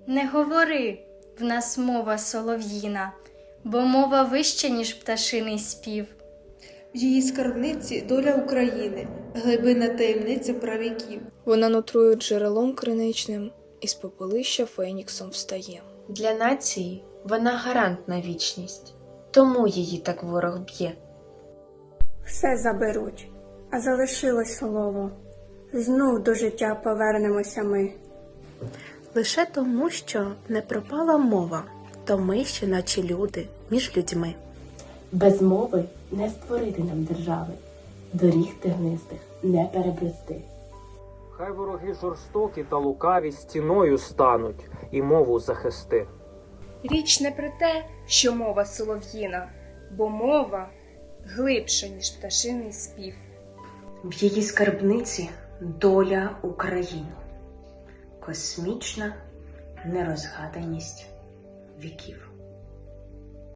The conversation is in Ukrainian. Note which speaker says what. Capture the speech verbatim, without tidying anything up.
Speaker 1: Не говори, в нас мова солов'їна, бо мова вища, ніж пташиний спів.
Speaker 2: В її скарбниці доля України, глибина таємниця правіків.
Speaker 3: Вона нутрує джерелом криничним, із попелища феніксом встає.
Speaker 4: Для нації вона гарант на вічність, тому її так ворог б'є.
Speaker 5: Все заберуть, а залишилось слово. Знов до життя повернемося ми.
Speaker 6: Лише тому, що не пропала мова, то ми ще наче люди між людьми.
Speaker 7: Без мови не створити нам держави, доріг тернистих не перебрести.
Speaker 8: Хай вороги жорстокі та лукаві стіною стануть і мову захисти.
Speaker 9: Річ не про те, що мова солов'їна, бо мова глибша, ніж пташиний спів.
Speaker 10: В її скарбниці доля України, космічна нерозгаданість віків.